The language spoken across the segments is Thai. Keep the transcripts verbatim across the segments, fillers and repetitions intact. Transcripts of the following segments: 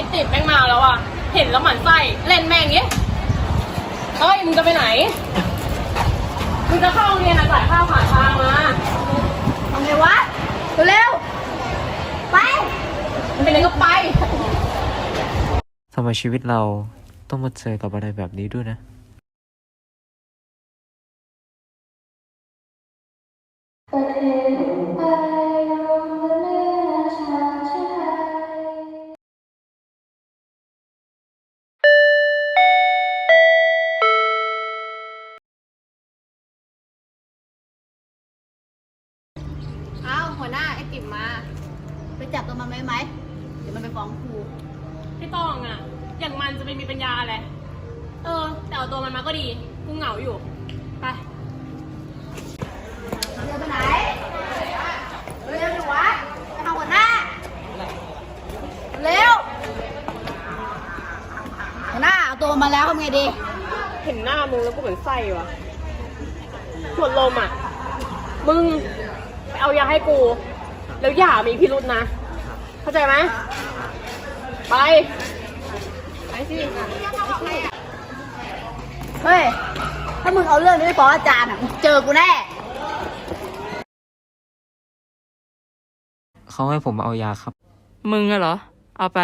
อ้ติดแม่งมาแล้วอ่ะเห็นแล้วหมั่นไส้เล่นแม่งเงี้ยเฮ้ยมึงจะไปไหนมึงจะเข้าโรงเรียนอ่ะจ่ายค่าผ่านทางมาทำไงวะเร็วๆไปมันเป็นยังไงก็ไปทำไมชีวิตเราต้องมาเจอกับอะไรแบบนี้ด้วยนะอ้าวหัวหน้าไอ้ติ๋มมาไปจับตัวมันไหมไหมเดี๋ยวมันไปฟ้องครูพี่ต้องอ่ะอย่างมันจะไปมีปัญญาอะไรเออแต่เอาตัวมันมาก็ดีกูเหงาอยู่ไปเดินไปไหนเร็วดิวะไปทำหัวหน้าเร็วหัวหน้าเอาตัวมาแล้วทำไงดีเห็นหน้ามึงแล้วกูเหมือนไส้ว่ะหมดลมอ่ะมึงไปเอายาให้กูแล้วอย่ามีพิรุษนะเข้าใจไหมไปไปสิเฮ้ยถ้ามึงเอาเรื่องนี้ไปฟ้องอาจารย์อ่ะมึงเจอกูแน่เขาให้ผมมาเอายาครับมึงอะเหรอเอาไป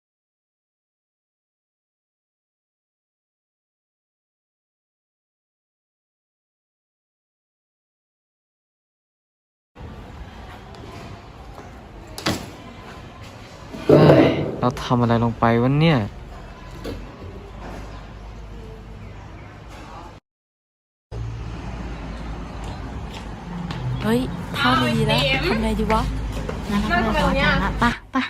เฮ้ยเราทำอะไรลงไปวะเนี่ยเฮ้ยท่าดีแล้วทำไงดีวะนั่งทำไมวะเนี่ยปะปะ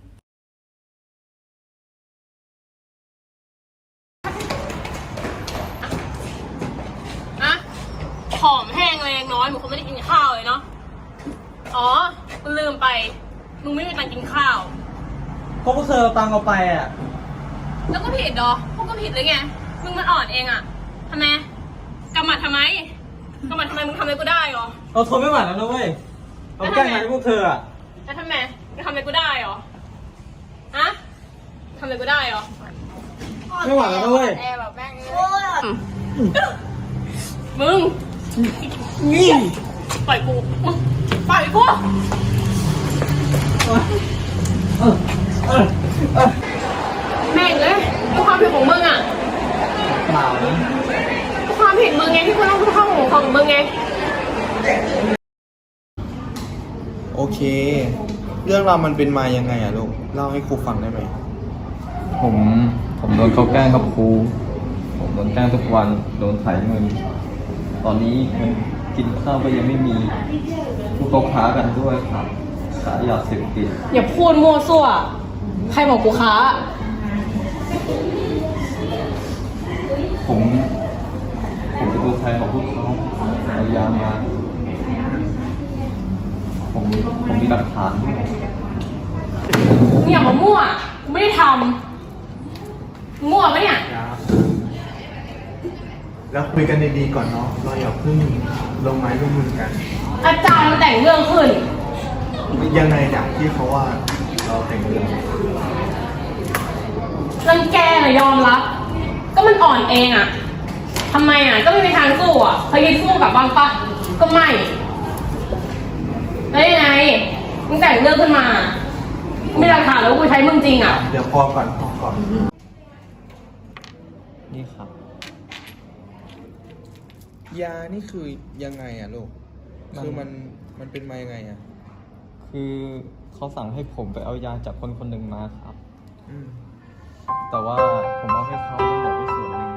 อะผอมแห้งแรงน้อยมึงคงไม่ได้กินข้าวเลยเนาะอ๋อมึงลืมไปมึงไม่มีตังค์กินข้าวพวกพวกเธอเอาตังค์เอาไปอ่ะแล้วก็ผิดดอพวกก็ผิดเลยไงมึงมันอ่อนเองอ่ะทำไมกำมัดทำไมกำมัดทำไมมึงทำอะไรกูได้หรอเราทนไม่ไหวแล้วนะเว้ยเราแกล้งไงพวกเธออ่ะแล้วทำไมมึงทำอะไรกูได้หรอฮะทำอะไรกูได้หรอไม่ไหวแล้วนะเว้ยแอร์แบบแม่งมึงนี่ปล่อยกูปล่อยกูแม่งเลยความผิดของมึงอ่ะเปล่านะความผิดมึงไงที่กูต้องเข้าของของมึงไงโอเคเรื่องราวมันเป็นมายังไงอะลูกเล่าให้ครูฟังได้ไหมผมผมโดนเขาแกล้งกับครูผมโดนแกล้งทุกวันโดนไถเงินตอนนี้เงินกินข้าวก็ยังไม่มีพวกเขาค้ากันด้วยครับขายยาเสพติดอย่าพูดมั่วซั่วใครบอกกูค้าผมผมเป็นตัวแทนของพวกเขาเอายามาผมผมมีหลักฐานด้วยมึงอย่ามามั่วกูไม่ได้ทำมั่วปะเนี่ยแล้วคุยกันดีๆก่อนเนาะเราอย่าเพิ่งลงไม้ลงมือกันอาจารย์มันแต่งเรื่องขึ้นยังไงอย่างที่เขาว่าเราแต่งเรื่องรังแกน่ะยอมรับก็มันอ่อนเองอ่ะทำไมอ่ะก็ไม่มีทางสู้อ่ะเคยคิดสู้กับบ้างปะก็ไม่แล้วยังไงมึงแต่งเรื่องขึ้นมาไม่หลักฐานแล้วกูใช้มึงจริงอ่ะเดี๋ยวพอก่อนพอก่อนนี่ครับยานี่คือยังไงอะลูกคือมันมันเป็นมายังไงอะคือเขาสั่งให้ผมไปเอายาจากคนคนหนึ่งมาครับอืมแต่ว่าผมเอาให้เขาแล้วเหลือไว้ส่วนหนึ่ง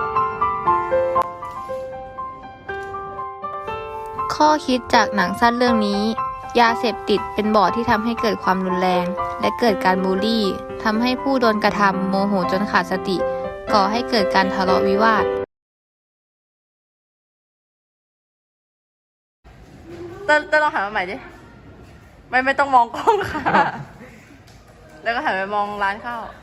ข้อคิดจากหนังสั้นเรื่องนี้ยาเสพติดเป็นบ่อที่ทำให้เกิดความรุนแรงและเกิดการบูลลี่ทำให้ผู้โดนกระทำโมโหจนขาดสติก่อให้เกิดการทะเลาะวิวาทเต้นเต้นลองหันมาใหม่ดิไม่ไม่ต้องมองกล้องค่ะแล้วก็หันไปมองร้านข้าว